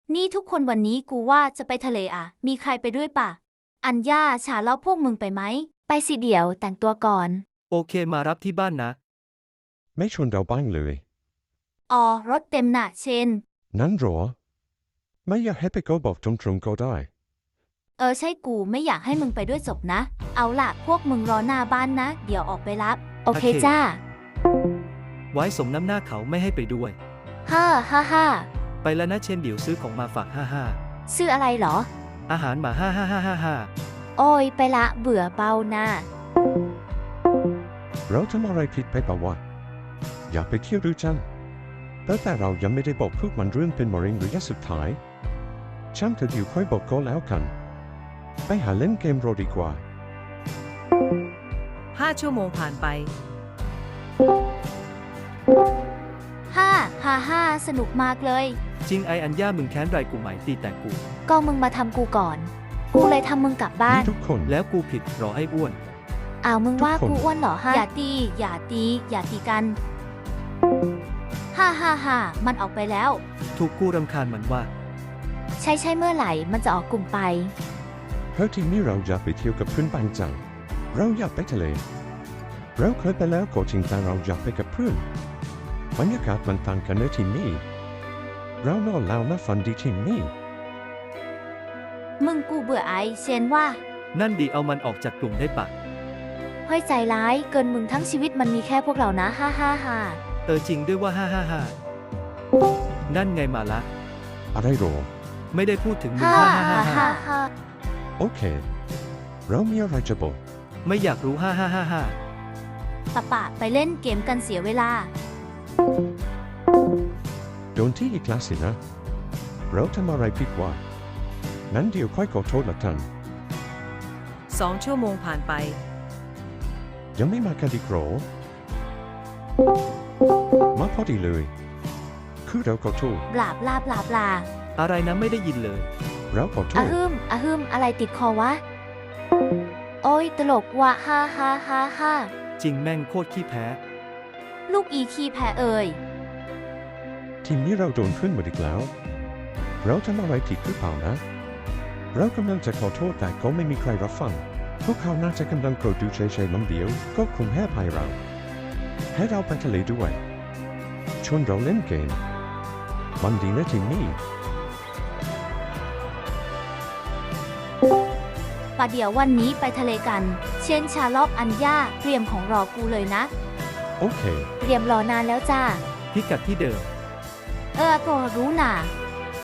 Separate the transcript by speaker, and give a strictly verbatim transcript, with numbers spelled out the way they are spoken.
Speaker 1: นี่ทุกคนวันนี้กูว่าจะไปทะเลอ่ะ มีใครไปด้วยป่ะ อัญญาฉาแล้วพวกมึงไปไหม ไปสิเดี๋ยวแต่งตัวก่อน
Speaker 2: โอเคมารับที่บ้านนะ
Speaker 3: ไม่ชวนเราบ้างเลย
Speaker 1: อ๋อ รถเต็มน่ะเชน
Speaker 3: นั้นหรอ ไม่อยากให้ไปก็บอกตรงๆก็ได้
Speaker 1: เออใช่กูไม่อยากให้มึงไปด้วยจบนะ เอาล่ะพวกมึงรอหน้าบ้านนะ เดี๋ยวออกไปรับ โอเค
Speaker 2: โอเค
Speaker 1: จ้า
Speaker 2: ไว้สมน้ำหน้าเขาไม่ให้ไปด้วย
Speaker 1: ฮ่าฮ่าฮ่า
Speaker 2: ไปแล้วนะเชนเดี๋ยวซื้อของมาฝากห้าห้า
Speaker 1: ชื่ออะไรเหรอ
Speaker 2: อาหารหมาห้าห้าห้าห้าห้า
Speaker 1: โอ้ยไปละเบื่อเบานะ
Speaker 3: เราทำอะไรผิดไปเปล่าวะอยากไปเที่ยวด้วยจังแต่แต่เรายังไม่ได้บอกพวกมันเรื่องเป็นมะเร็งระยะสุดท้ายช่างเถอะเดี๋ยวค่อยบอกก็แล้วกัน ไปหาเล่นเกมโรดีกว่า
Speaker 4: ห้าชั่วโมงผ่านไป
Speaker 1: ฮ่าฮ่าฮ่าสนุกมากเลย
Speaker 2: จริงไออัญญามึงแค้นไรกูไหมตีแต่กู
Speaker 1: ก็มึงมาทำกูก่อน กูเลยทำมึงกลับบ้าน
Speaker 3: นี่ทุกคน
Speaker 2: แล้วกูผิดรอให้อ้วน
Speaker 1: อ้าวมึงว่า
Speaker 3: ทุกคน
Speaker 1: กูอ้วนเหรอฮะ อย่าตี อย่าตี อย่าตีกัน ฮ่าฮ่าฮ่ามันออกไปแล้ว
Speaker 2: ถูกกูรำคาญมันว่า
Speaker 1: ใช่ใช่เมื่อไหร่มันจะออกกลุ่มไป
Speaker 3: เฮ้ยทีนี้เราอยากไปเที่ยวกับเพื่อนบ้างจังเราอยากไปทะเล เราเคยไปแล้วก็จริงแต่เราอยากไปกับเพื่อนบรรยากาศมันต่างกันในที่นี้เรานอนแล้วนะฝันดีที่นี่
Speaker 1: มึงกูเบื่อไอเชนว่า
Speaker 2: นั่นดีเอามันออกจากกลุ่มได้ปะ
Speaker 1: เฮ้ยใจร้ายเกินมึงทั้งชีวิตมันมีแค่พวกเรานะฮ่าฮ่าฮ่า
Speaker 2: เออจริงด้วยว่าห้าห้าห้านั่นไงมาละ
Speaker 3: อะไรหรอ
Speaker 2: ไม่ได้พูดถึงมึง
Speaker 1: ฮ่า
Speaker 2: ห้าห้า
Speaker 1: ฮ่า
Speaker 2: ห้า
Speaker 1: ฮ่า
Speaker 2: ห้า
Speaker 1: ฮ่า
Speaker 3: โอเค เรามีอะไรจะบอก
Speaker 2: ไม่อยากรู้ห้าห้าห้าห้า
Speaker 1: ปะปะไปเล่นเกมกันเสียเวลา
Speaker 3: โดนที่อีกแล้วสินะ เราทำอะไรผิดวะนั้นเดี๋ยวค่อยขอโทษละกัน
Speaker 4: สองชั่วโมงผ่านไป
Speaker 3: ยังไม่มากันอีกเหรอมาพอดีเลย คือเราขอโทษ
Speaker 1: บลาบลาบลาบลา
Speaker 2: อะไรนะไม่ได้ยินเลย
Speaker 3: เราขอโท
Speaker 1: อะ
Speaker 3: ษ
Speaker 1: ฮึมอะฮึมอะไรติดคอวะ โอ้ยตลกว่ะฮ่าฮ่าฮ่าฮ่า
Speaker 2: จริงแม่งโคตรขี้แพ้
Speaker 1: ลูกอีคีแพ้เอ่ย
Speaker 3: ทีมนี้เราโดนขึ้นหมดอีกแล้ว เราทำอะไรผิดหรือเปล่านะ เรากำลังจะขอโทษแต่ก็ไม่มีใครรับฟัง พวกเขาน่าจะกำลังโกรธดูเฉยๆมั้งเดียว ก็คงให้อภัยเรา ให้เราไปทะเลด้วยชวนเราเล่นเกมมันดีนะทีมนี้
Speaker 1: ป่ะเดี๋ยววันนี้ไปทะเลกัน เช่นชาลอบอัญญาเตรียมของรอกูเลยนะ
Speaker 3: โอเค
Speaker 1: เตรียมรอนานแล้วจ้า
Speaker 2: พิกัดที่เดิม
Speaker 1: เออก็รู้น่ะ